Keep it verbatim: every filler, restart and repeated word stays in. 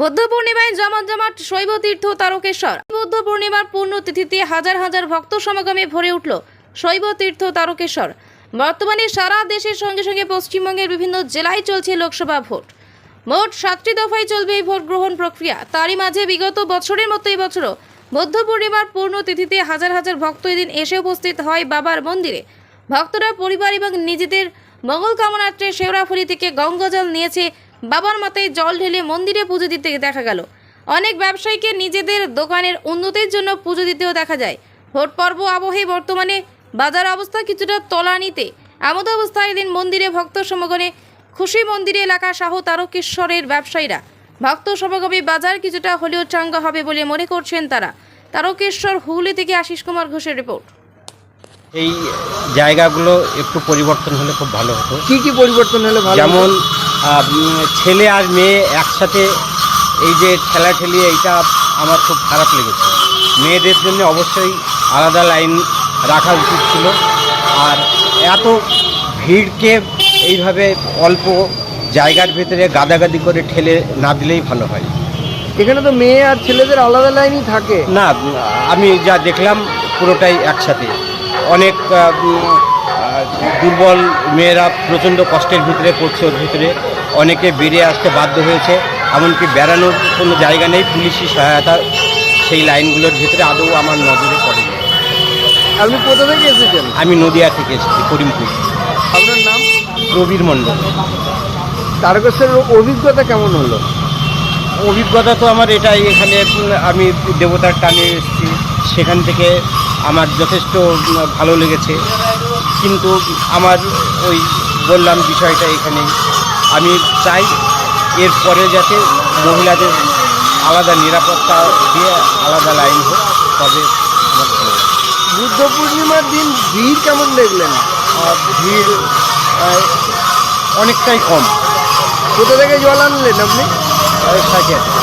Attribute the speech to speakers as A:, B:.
A: বৌদ্ধ পূর্ণিমায় জমজমাট শৈব তীর্থ তারকেশ্বর। বৌদ্ধ পূর্ণিমার পূর্ণতিথিতে হাজার হাজার ভক্ত সমাগমে ভরে উঠল শৈব তীর্থ তারকেশ্বর। বর্তমানে সারা দেশের সঙ্গে সঙ্গে পশ্চিমবঙ্গের বিভিন্ন জেলায় চলছে লোকসভা ভোট। মোট সাতটি দফায় চলবে এই ভোট গ্রহণ প্রক্রিয়া। তারই মাঝে বিগত বছরের মতো এই বছরও বৌদ্ধ পূর্ণিমার পূর্ণতিথিতে হাজার হাজার ভক্ত এদিন এসে উপস্থিত হয় বাবার মন্দিরে। ভক্তরা পরিবার এবং নিজেদের মঙ্গল কামনার্থে শেওড়াফুলি থেকে গঙ্গাজল নিয়েছে। বাবার মাথায় জল ঢেলে মন্দিরে পুজো দিতে দেখা গেল। অনেক ব্যবসায়ীকে নিজেদের দোকানের উন্নতির জন্য পুজো দিতেও দেখা যায়। ভোট পর্ব আবহে বর্তমানে বাজার অবস্থা কিছুটা তলানিতে। এমত অবস্থায় এদিন মন্দিরে ভক্ত সমাগমে খুশি। মন্দিরে এলাকা সহ তারকেশ্বরের ব্যবসায়ীরা ভক্ত সমাগমে বাজার কিছুটা হলেও চাঙ্গা হবে বলে মনে করছেন তারা। তারকেশ্বর হুগলি থেকে আশিস কুমার ঘোষের রিপোর্ট।
B: এই জায়গাগুলো একটু পরিবর্তন হলে খুব ভালো হতো।
C: কি কি পরিবর্তন হলে ভালো?
B: যেমন ছেলে আর মেয়ে একসাথে এই যে ঠেলাঠেলি, এইটা আমার খুব খারাপ লেগেছে। মেয়েদের জন্য অবশ্যই আলাদা লাইন রাখা উচিত ছিল। আর এত ভিড়কে এইভাবে অল্প জায়গার ভেতরে গাদাগাদি করে ঠেলে না দিলেই ভালো হয়।
C: এখানে তো মেয়ে আর ছেলেদের আলাদা লাইনই থাকে
B: না, আমি যা দেখলাম পুরোটাই একসাথে। অনেক দুর্বল মেয়েরা প্রচণ্ড কষ্টের ভিতরে পড়ছে, ওর ভিতরে অনেকে বেরিয়ে আসতে বাধ্য হয়েছে। এমনকি বেড়ানোর কোনো জায়গা নেই, পুলিশি সহায়তা সেই লাইনগুলোর ভিতরে আদৌ আমার নজরে পড়েনি।
C: আপনি কোথা থেকে এসেছেন?
B: আমি নদিয়া থেকে এসেছি, করিমপুর।
C: আপনার নাম?
B: প্রবীর মণ্ডল।
C: তারকেশ্বরের অভিজ্ঞতা কেমন হলো?
B: অভিজ্ঞতা তো আমার এটাই, এখানে আমি দেবতার টানে এসেছি, সেখান থেকে আমার যথেষ্ট ভালো লেগেছে। কিন্তু আমার ওই বললাম বিষয়টা এখানে, আমি চাই এরপরে যাতে মহিলাদের আলাদা নিরাপত্তা দিয়ে আলাদা লাইন হোক, তবে আমার ভালো লাগে।
C: বুদ্ধ পূর্ণিমার দিন ভিড় কেমন দেখলেন?
B: আর ভিড় অনেকটাই কম।
C: কোথা থেকে জল আনলেন আপনি?
B: সাইকেল